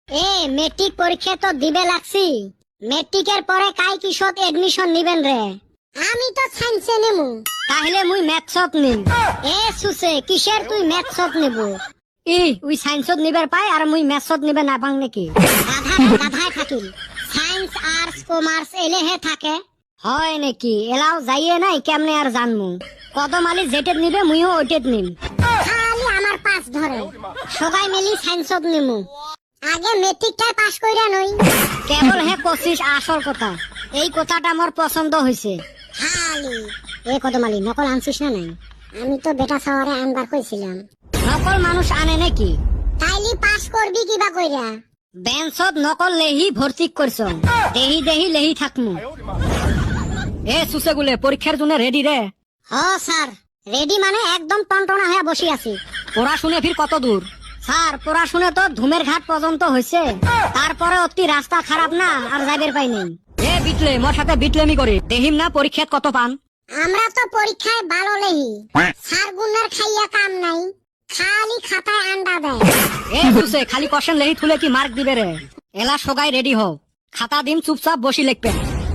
এ metric পরীক্ষা তো দিবে লাগছি, মেট্রিকের পরে কাই কিসত এডমিশন নিবেন রে? আমি তো সায়েন্সে নেমু। তাহলে মুই ম্যাথছত নিম। এ সুসে কিসের তুই ম্যাথছত নেব? উই সায়েন্সত নিবার পাই আর মুই ম্যাথছত নিবে না পাং নাকি? গাধায় থাকিল, সায়েন্স আর্টস কমার্স এলেহে থাকে। হয় নাকি? এলাও যাইয়ে নাই কেমনে আর জানমু। কদম আলী যেটেত নিবে মুইও ওইটেত নিম। খালি আমার পাস ধরে, সবাই মিলি সায়েন্সত নিমু। আগে মেট্রিকটাই পাস কইরা নই। কেবল হে কছিস আসল কথা, এই কথাটা মোর পছন্দ হইছে। খালি এ কদম আলী নকল আনছিস না নাই? আমি তো বেটা শহরে আনবার কইছিলাম। নকল মানুষ আনে নাকি? তাইলি পাস করবি কিবা কইরা? বেঞ্চত নকল লেহি ভর্তি করছ, দেহি দেহি লেহি থাকমু। এ সুসেগুলে পরীক্ষার জন্য রেডি রে? হ স্যার, রেডি মানে একদম টনটনা হয়ে বসি আছি। পড়াশুনে ফির কত দূর? স্যার পড়াশুনে তো ধুমের ঘাট পর্যন্ত হয়েছে, তারপরে অতি রাস্তা খারাপ না আর যাইবের পাই নেই। এ বিটলে মোর সাথে বিটলেমি করে দেহিম না পরীক্ষাত কত পান? আমরা তো পরীক্ষায় ভালো লেহি, স্যার গুনার খাইয়া কাম নাই, খালি খাতায় আন্ডা দেয়। এ সুসে খালি কোশ্চেন লেহি থুলে কি মার্ক দিবে রে? এলা সগাই রেডি হও, খাতা দিম চুপচাপ বসি লিখবে।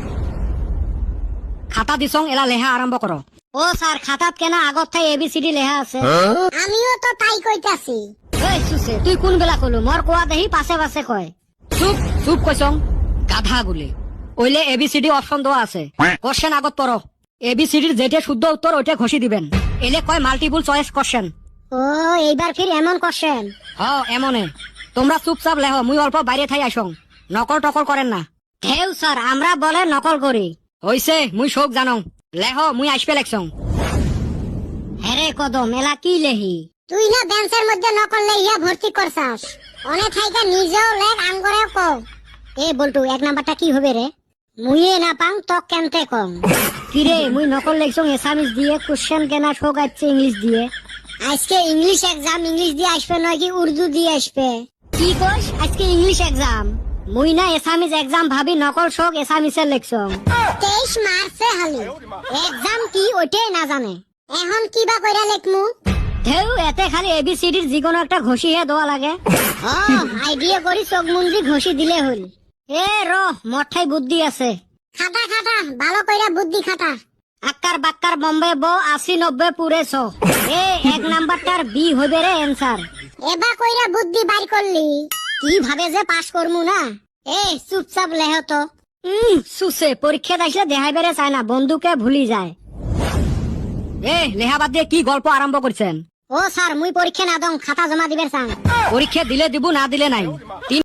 খাতা দিছং এলা লেহা আরম্ভ করো। ও স্যার খাতাত কেনা আগত থাই এবিসিডি লেহা আছে। আমিও তো তাই কইতাছি। ওই সুসে তুই কোন বেলা কলু? মোর কোয়া দেহি পাশে পাশে কয়। চুপ চুপ কইছং গাধা গুলি। ওইলে এবিসিডি অপশন দেওয়া আছে, কোশ্চেন আগত পড়ো। এবিসিডির যেটা শুদ্ধ উত্তর ওইটা ঘষি দিবেন। এলে কয় মাল্টিপল চয়েস কোশ্চেন। ও এইবার ফির এমন কোশ্চেন? হ্যাঁ এমনে। তোমরা চুপচাপ লেহ, মুই অল্প বাইরে থাই আসং, নকল টকল করেন না। ঢেউ স্যার আমরা বলে নকল করি। হইছে মুই শোক জানং, লেহ মুই আসবে লেখছং। হেরে কদম এলা কি লেহি? তুই না বেঞ্চের মধ্যে নকল লেহিয়া ভর্তি করছাস, অনে থাইকা নিজেও লেখ আঙ্গরেও কও। এ বলটু এক নাম্বারটা কি হবে রে? মুইয়ে না পাং তো কেনতে কম। কিরে মুই নকল লেখছং এসামিস দিয়ে, কোশ্চেন কেনা শোক আছে ইংলিশ দিয়ে। আজকে ইংলিশ এক্সাম, ইংলিশ দিয়ে আসবে নয় কি উর্দু দিয়ে আসবে? কি কইস আজকে ইংলিশ এক্সাম? মুই না এসামিস এক্সাম ভাবি নকল শোক এসামিসের লেখছং। 23 মার্চে হালি এক্সাম কি ওইটাই না জানে, এখন কিবা কইরা লেখমু? ঢেউ এতে খালি এবিসিডির যিকোনো একটা ঘষি হে দেওয়া লাগে। আইডিয়া করি চোখ মুন্দি ঘষি দিলে হল। এ র মঠাই বুদ্ধি আছে। খাটা খাটা ভালো কইরা বুদ্ধি খাটা। আক্কার বাক্কার বম্বে ব 80-90 পুরে 100। এ এক নাম্বারটার বি হবে রে অ্যানসার। এবা কইরা বুদ্ধি বাইর করলি, কি ভাবে যে পাস করমু না? এ চুপচাপ লেহ তো। সুসে পরীক্ষা দেখলে দেখাই বেড়ে চায় না, বন্ধুকে ভুলি যায়। এ লেহাবাদ দিয়ে কি গল্প আরম্ভ করছেন? ও স্যার মুই পরীক্ষা না দং, খাতা জমা দিবের চাং। পরীক্ষা দিলে দিব না দিলে নাই।